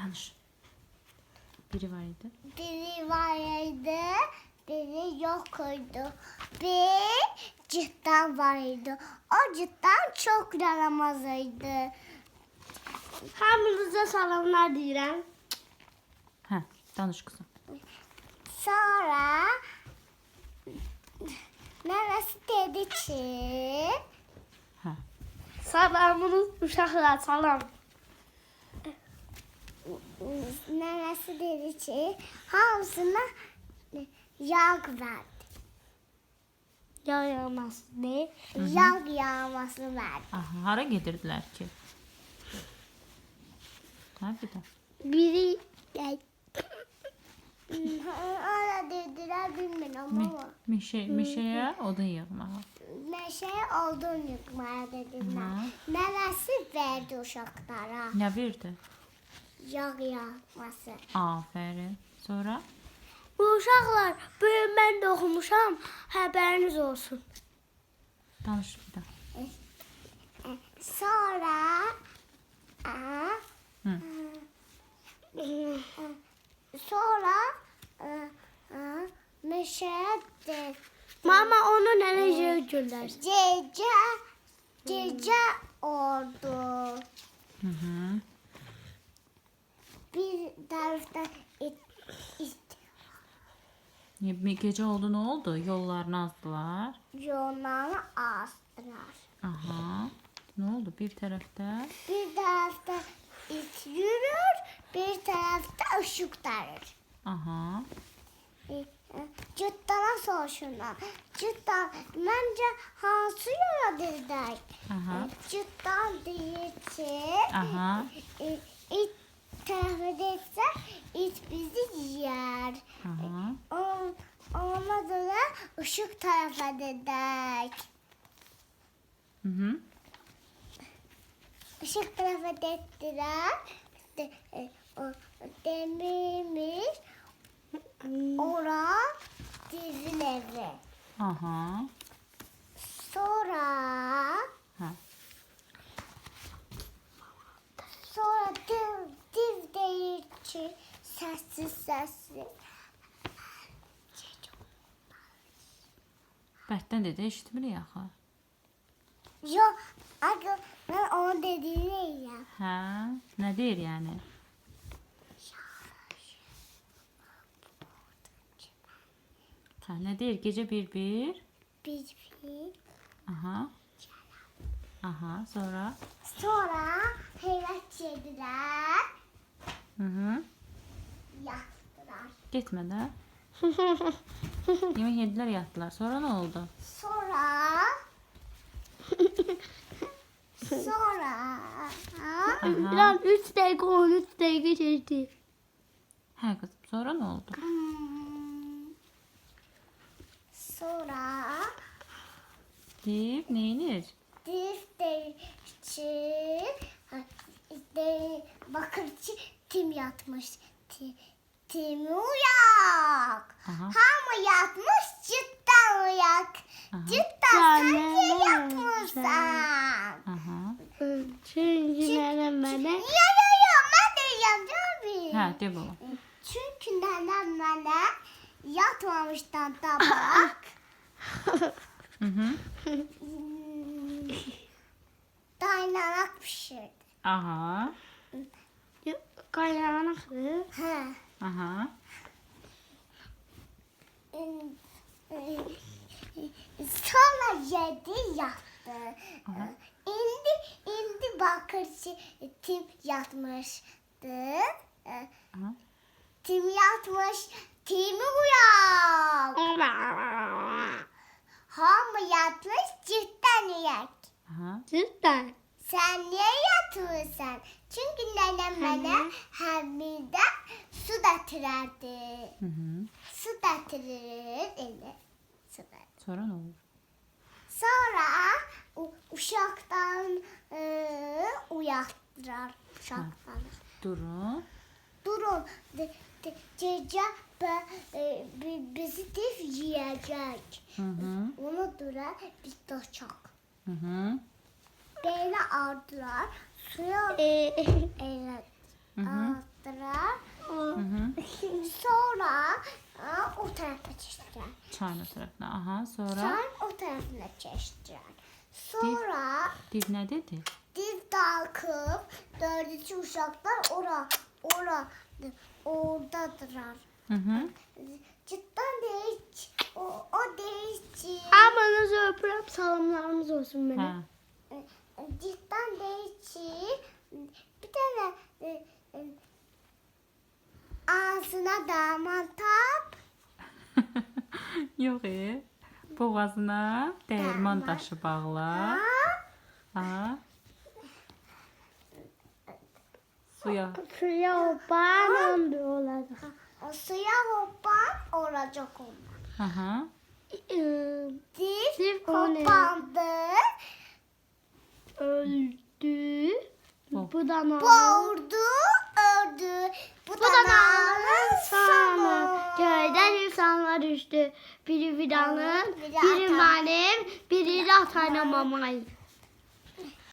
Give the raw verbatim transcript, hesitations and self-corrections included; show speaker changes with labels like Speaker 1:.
Speaker 1: Danış. Biri var idi.
Speaker 2: Biri vardı, biri yoktu. Bir cidden vardı. O cidden çok yaramazıydı. Hamınıza salamlar deyirəm.
Speaker 1: Hə, danış kızım.
Speaker 2: Sonra nənəsi dedi ki,
Speaker 1: Hə.
Speaker 2: salamınız uşaqlar, salam. Nənəsi dedi ki, hamısına yağ verdi. Yağ yağması deyil, yağ yağması verdi.
Speaker 1: Aha, hara gedirdilər ki? Hə, bir də.
Speaker 2: Biri Öyle dediler bilmiyorum
Speaker 1: Mi,
Speaker 2: ama.
Speaker 1: mişe, mişeyə odun yığmağa.
Speaker 2: Meşeye olduğunu yıkmaya dediler.
Speaker 1: Hı.
Speaker 2: Neresi verdi uşaklara?
Speaker 1: Nə verdi?
Speaker 2: Yağ yağması.
Speaker 1: Afərin. Sonra?
Speaker 2: Bu uşaqlar, bugün ben de okumuşam, haberiniz olsun.
Speaker 1: Danış bir də.
Speaker 2: Sonra
Speaker 1: Hı.
Speaker 2: sonra meşeye de Mama onu nereye gönder? Gece gece oldu.
Speaker 1: Hı hı.
Speaker 2: Bir tarafta it, it,
Speaker 1: Bir gece oldu, nə oldu? Yollarını azdılar.
Speaker 2: yollarını astılar.
Speaker 1: Aha. Nə oldu bir tərəfdə?
Speaker 2: Bir tarafta it yürür, bir tarafta ışık tarır.
Speaker 1: Aha.
Speaker 2: Cüttana soruşurlar. Cüttan, bence hansı yola dediler?
Speaker 1: Aha.
Speaker 2: Cüttan deyir ki,
Speaker 1: Aha.
Speaker 2: e, it tarafı değilse it bizi yer.
Speaker 1: Aha.
Speaker 2: On, olmadı da ışık tarafa dedik.
Speaker 1: Hı hı.
Speaker 2: Işık tarafa dediler. De, e, o, demirmiş. Ora dizin evi.
Speaker 1: Aha.
Speaker 2: Sonra
Speaker 1: Ha.
Speaker 2: sonra div, div deyir ki sessiz sessiz.
Speaker 1: Bərkdən dedi, eşitmirik axı.
Speaker 2: Yok, aga ben onu dediğini ya.
Speaker 1: Hə, nə deyir yəni? Hə, nə deyir? Gecə bir-bir.
Speaker 2: Bir bir.
Speaker 1: Aha. Aha, sonra?
Speaker 2: Sonra heyret yediler,
Speaker 1: Hı hı.
Speaker 2: yattılar.
Speaker 1: Getmə də. Yemək yedilər, yatdılar. Sonra nə oldu?
Speaker 2: Sonra sonra
Speaker 1: Aha.
Speaker 2: biraz üç dakika on üç dakika geçti.
Speaker 1: Hə qızım, sonra nə oldu?
Speaker 2: Hmm. Sonra
Speaker 1: Div neynir?
Speaker 2: div deyişçi de, bakırçı tim yatmış. Ti, tim uyak.
Speaker 1: Aha.
Speaker 2: Hamı yatmış cidden uyak.
Speaker 1: Aha.
Speaker 2: Cidden sen niye yatmışsın?
Speaker 1: Aha.
Speaker 2: Çünkü nenem bana... Ya ya ya ben diyeceğim tabii.
Speaker 1: Hə, de baba.
Speaker 2: Çünkü nenem bana yatmamıştan tabak.
Speaker 1: Hı hı.
Speaker 2: Dayanarak pişirdi.
Speaker 1: Aha.
Speaker 2: Kaynanak mı? He.
Speaker 1: Aha.
Speaker 2: Sonra yedi yattı.
Speaker 1: Aha.
Speaker 2: İndi, indi bakırçı tim yatmıştı.
Speaker 1: Aha.
Speaker 2: Tim yatmış, timi uyak. Hamı yatmış, cidden uyak.
Speaker 1: Aha.
Speaker 2: Cidden. Sen niye yatıyorsun? Çünkü nenem bana hamide su getirirdi.
Speaker 1: Hı hı.
Speaker 2: Su getirir eli. Su getirir.
Speaker 1: Sonra nə olur?
Speaker 2: Sonra u- uşaktan e, uyattırar uşaktan.
Speaker 1: Durun.
Speaker 2: Durun, de, de, gece be, e, bi- bizi div yiyecek.
Speaker 1: Hı hı.
Speaker 2: Onu dura bir taşak.
Speaker 1: Hı hı.
Speaker 2: Böyle aldılar, suya evet,
Speaker 1: Hı hı.
Speaker 2: aldılar. çeşitler.
Speaker 1: Çayın o tarafına. Aha sonra
Speaker 2: Çayın o tarafına çeşitler. Sonra
Speaker 1: div ne dedi?
Speaker 2: div kalkıp dördüncü uşaklar ora ora oradadırlar.
Speaker 1: Hı hı.
Speaker 2: Cidden değiş o, o değişti.
Speaker 3: Abanızı öpürüm, salamlarımız olsun benim.
Speaker 1: Ha.
Speaker 2: Cidden değişti. Bir tane e, e, ağzına damat tap.
Speaker 1: Yox, e. Boğazına dəyirman
Speaker 2: Dəyirman.
Speaker 1: daşı bağla.
Speaker 2: Ha?
Speaker 1: Ha. Suya.
Speaker 3: Suya hopan olacak.
Speaker 2: O suya hoppan olacak onlar.
Speaker 1: Aha.
Speaker 2: Div
Speaker 3: Div o ne?
Speaker 2: hoppandı.
Speaker 3: Öldü.
Speaker 1: Bu.
Speaker 3: Bu da ne?
Speaker 2: Boğurdu, ördü. Bu,
Speaker 3: Bu
Speaker 2: da
Speaker 3: da
Speaker 2: nalın
Speaker 3: nalın
Speaker 2: sonu.
Speaker 3: sonu. Köyden insanlar düştü. Biri fidanın,
Speaker 2: Biri
Speaker 3: biri
Speaker 2: atan.
Speaker 3: benim, biri de atana mamayı.